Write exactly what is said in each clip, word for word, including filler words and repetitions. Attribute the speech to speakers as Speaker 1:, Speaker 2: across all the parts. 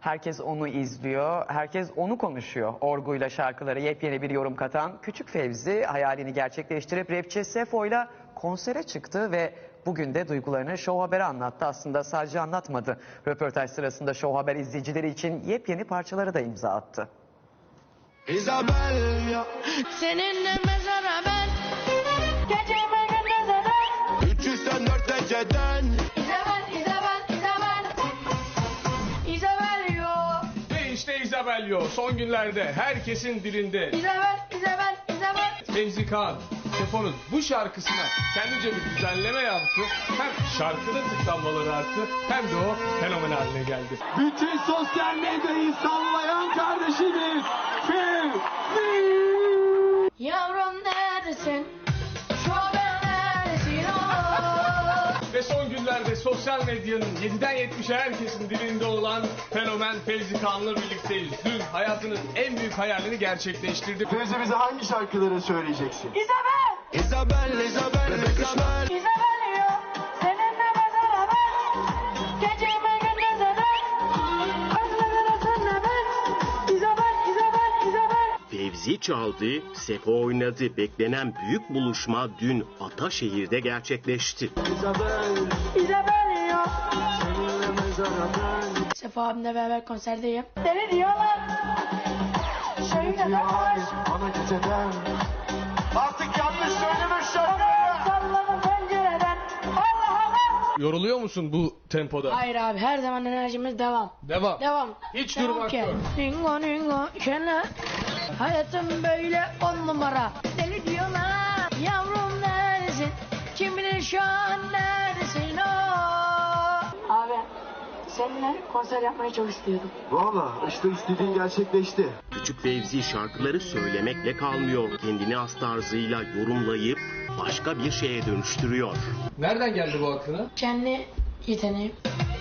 Speaker 1: Herkes onu izliyor, herkes onu konuşuyor. Orguyla şarkılara yepyeni bir yorum katan Küçük Fevzi hayalini gerçekleştirip rapçi Sefo'yla konsere çıktı ve bugün de duygularını Show Haber'e anlattı. Aslında sadece anlatmadı. Röportaj sırasında Show Haber izleyicileri için yepyeni parçaları da imza attı.
Speaker 2: Isabel,
Speaker 3: seninle mezara ben geceme gündüze ben
Speaker 2: üç yüz dört dereceden
Speaker 3: İzabel, İzabel, İzabel İzabel yo
Speaker 4: Ve işte İzabel yo son günlerde herkesin dilinde.
Speaker 3: İzabel, İzabel, İzabel
Speaker 4: Fevzi Kağan, Sefo'nun bu şarkısına kendince bir düzenleme yaptı. Hem şarkının tıklanmaları arttı hem de o fenomen haline geldi.
Speaker 5: Bütün sosyal medyayı sallayan kardeşimiz Fevzi.
Speaker 3: Yavrum neredesin? Şu haber neredesin o?
Speaker 4: Ve son günlerde sosyal medyanın yediden yetmişe herkesin dilinde olan fenomen Fevzi Kağan'la birlikteyiz. Dün hayatının en büyük hayalini gerçekleştirdi.
Speaker 5: Fevzi, bize hangi şarkıları söyleyeceksin?
Speaker 3: İzabel,
Speaker 2: Isabel, Isabel, Isabel.
Speaker 3: İzabel yo seninle mezara ben geceme gündüze ben özlemine senle ben İzabel, İzabel, İzabel
Speaker 6: Fevzi çaldı, Sefo oynadı. Beklenen büyük buluşma dün Ataşehir'de gerçekleşti.
Speaker 5: Isabel,
Speaker 3: İzabel yo
Speaker 5: seninle mezara ben.
Speaker 3: Sefa abimle beraber konserdeyim. Deli diyorlar. Söyle
Speaker 5: Hayır, bana geceden. Artık yanlış söylemiş şarkı.
Speaker 3: salladım pencereden. Allah Allah.
Speaker 4: Yoruluyor musun bu tempoda?
Speaker 3: Hayır abi, her zaman enerjimiz devam.
Speaker 4: Devam.
Speaker 3: Devam.
Speaker 4: Hiç
Speaker 3: Devam
Speaker 4: durmak
Speaker 3: ki.
Speaker 4: yok.
Speaker 3: Ningo ningo şöyle. Hayatım böyle on numara. Deli diyorlar. Yavrum neredesin? Kim bilir şu an neredesin o? Abi seninle konser yapmayı çok istiyordum.
Speaker 5: Valla işte istediğin gerçekleşti.
Speaker 6: Küçük Fevzi şarkıları söylemekle kalmıyor. Kendini has tarzıyla yorumlayıp başka bir şeye dönüştürüyor.
Speaker 4: Nereden geldi bu aklına?
Speaker 3: Kendi yeteneğim.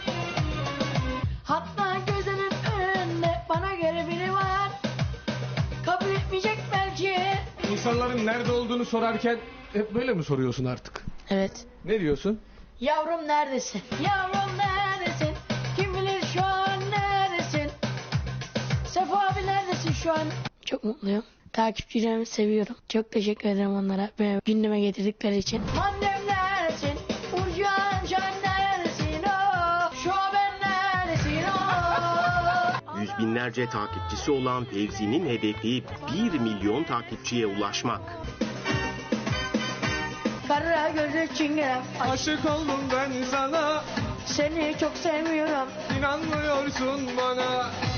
Speaker 3: Hatta gözünün önünde bana göre biri var. Kabul etmeyecek belki.
Speaker 4: İnsanların nerede olduğunu sorarken hep böyle mi soruyorsun artık?
Speaker 3: Evet.
Speaker 4: Ne diyorsun?
Speaker 3: Yavrum neredesin? Yavrum neredesin? Kim bilir şu an neredesin? Sefa abi neredesin şu an? Çok mutluyum. Takipçilerimi seviyorum. Çok teşekkür ederim onlara beni gündeme getirdikleri için. Annem neredesin? Urcan can neredesin o? Şu an ben neredesin o?
Speaker 6: Yüz binlerce takipçisi olan Fevzi'nin hedefi bir milyon takipçiye ulaşmak.
Speaker 3: Kara gözü çingenem.
Speaker 4: Aşık oldum ben sana,
Speaker 3: Seni çok seviyorum.
Speaker 4: inanmıyorsun bana.